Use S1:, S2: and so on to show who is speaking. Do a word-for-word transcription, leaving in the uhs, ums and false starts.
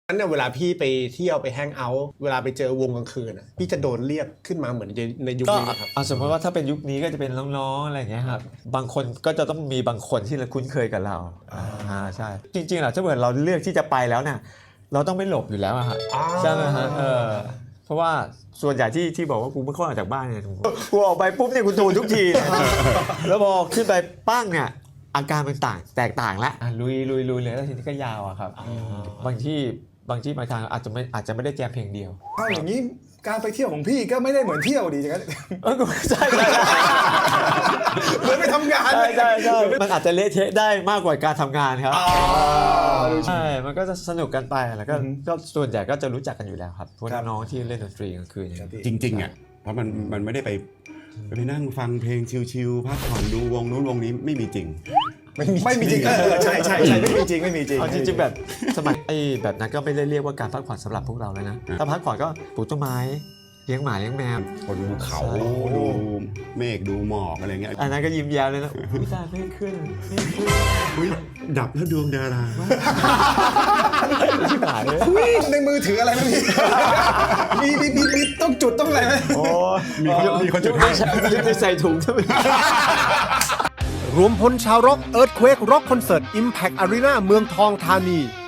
S1: นั้นเนี่ยเวลาพี่ไปเที่ยวไปแฮงเอาท์เวลาไปเจอวงกลางคืนอ่ะพี่จะโดนเรียกขึ้นมาเหมือนในยุค
S2: ก็
S1: นี้ครับ
S2: สมมติว่าถ้าเป็นยุคนี้ก็จะเป็นน้องๆอะไรอย่างเงี้ยครับบางคนก็จะต้องมีบางคนที่เราคุ้นเคยกับเราอ่าใช่จริงๆแล้วถ้าเกิดเราเลือกที่จะไปแล้วเนี่ยเราต้องไม่หลบอยู่แล้วอะฮะใช่ไหมฮะเออเพราะว่าส่วนใหญ่ที่ที่บอกว่ากูไม่ค่อยออกจากบ้านเนี่ยกูออกไปปุ๊บเนี่ยกูโดนทุกทีแล้วพอขึ้นไปปั้งเนี่ยอาการมันต่างแตกต่างแล้วลุยลุยลุยเลยแล้วทีนี้ก็ยาวอะครับบางที่บางที่บางทางอาจจะไม่อาจจะไม่ได้แจมเพลงเดียว
S3: ถ้าอย่างนี้การไปเที่ยวของพี่ก็ไม่ได้เหมือนเที่ยวดีจังนั้น
S2: เออใช่ใช่
S3: เหมือนไปทำงาน
S2: ใช่ใช่ใช่มันอาจจะเละเทะได้มากกว่าการทำงานครับใช่มันก็จะสนุกกันไปแล้วก็ก็ส่วนใหญ่ก็จะรู้จักกันอยู่แล้วครับพวกน้องๆที่เล่นดนตรีกลางคืนอย่างนี้
S4: จริงๆอ่ะเพราะมันมันไม่ได้ไปไปนั่งฟังเพลงชิลๆพักผ่อนดูวงนู้นวงนี้ไม่มีจริง
S3: ไม่มีไม่มีจริงเออใช่ใช่ใช่ไม่มีจริงไม่มีจริง
S2: เอาจริงๆแบบสมัยไอ้แบบนั้นก็ไม่ได้เรียกว่าการพักผ่อนสำหรับพวกเราแล้วนะถ้าพักผ่อนก็ปลูกต้นไม้เลี้ยงหมาเลี้ยงแมว
S4: คนดูเขาดูเมฆดูหมอกอะไรเงี้ย
S2: อันนั้นก็ยิ้มแย้มเลยนะอุ้ยตายไม่ขึ้นไม่ขึ้น
S4: อุ๊ยดับแล้วดวงดารา
S2: ชิบหายเลย
S3: อุ๊ยในมือถืออะไรไหมพี่มีมีมีมีต้องจุดต้องอะไรไหม
S2: โอ้
S4: มีคนมีคนจุดให้
S2: ยุดในใส่ถุงใช่ไหม
S5: รวมพลชาวร็อกเอิร์ธเควกร็อกคอนเสิร์ต Impact Arena เมืองทองธานี